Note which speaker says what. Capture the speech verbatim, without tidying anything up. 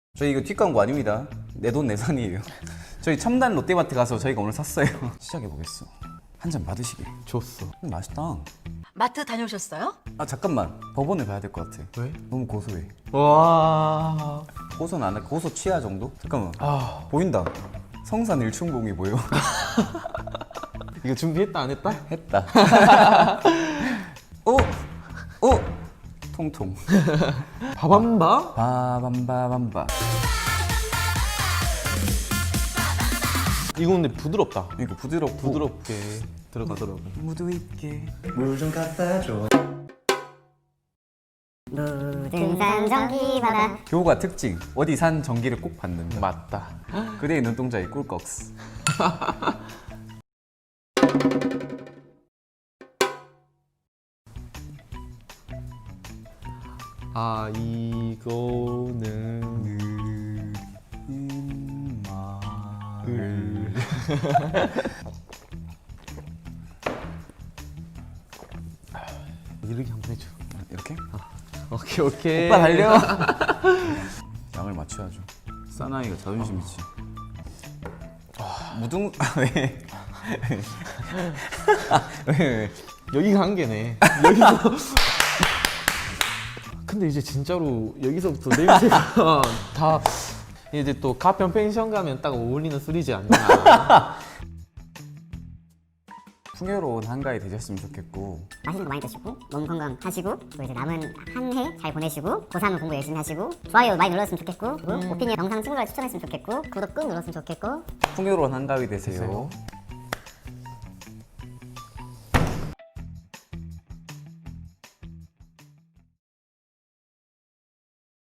Speaker 1: 저희 이거 뒷광고 아닙니다. 내 돈 내산이에요. 저희 첨단 롯데마트 가서 저희가 오늘 샀어요. 시작해보겠어. 한 잔 받으시게.
Speaker 2: 줬어.
Speaker 1: 음, 맛있다.
Speaker 3: 마트 다녀오셨어요?
Speaker 1: 아 잠깐만, 법원에 가야 될 것 같아.
Speaker 2: 왜?
Speaker 1: 너무 고소해.
Speaker 2: 와.
Speaker 1: 고소는 안 해. 고소 취하 정도? 잠깐만.
Speaker 2: 아,
Speaker 1: 보인다. 성산 일춘봉이 보여.
Speaker 2: 이거 준비했다 안 했다?
Speaker 1: 했다. 오! 오! 통통.
Speaker 2: 바밤바?
Speaker 1: 바밤바밤바.
Speaker 2: 이거 근데 부드럽다.
Speaker 1: 이거 부드럽고
Speaker 2: 부드럽게 들어가더라고.
Speaker 1: 무드 있게.
Speaker 4: 물 좀 갖다 줘.
Speaker 5: 등산 전기바다
Speaker 1: 교우가 특징. 어디 산 전기를 꼭 받는다.
Speaker 2: 맞다.
Speaker 1: 그대의 눈동자의 꿀꺽스.
Speaker 2: 아, 이거는
Speaker 1: 느린 마을.
Speaker 2: 이렇게 한번 해줘.
Speaker 1: 이렇게?
Speaker 2: 오케이 오케이.
Speaker 1: 오빠 달려. 양을 맞춰야죠. 사나이가 자존심 있지. 무등 왜? 왜 왜?
Speaker 2: 여기가 한계네. 여기서. 근데 이제 진짜로 여기서부터 냄새가 다 이제 또 가평 펜션 가면 딱 어울리는 술이지 않나.
Speaker 1: 풍요로운 한가위 되셨으면 좋겠고
Speaker 5: 맛있는 거 많이 드시고 몸 건강하시고 또 이제 남은 한 해 잘 보내시고 고삼 공부 열심히 하시고 좋아요 많이 눌렀으면 좋겠고 그리고 오피니언 영상 친구들 추천했으면 좋겠고 구독 꾹 눌렀으면 좋겠고
Speaker 1: 풍요로운 한가위 되세요.
Speaker 2: 되세요.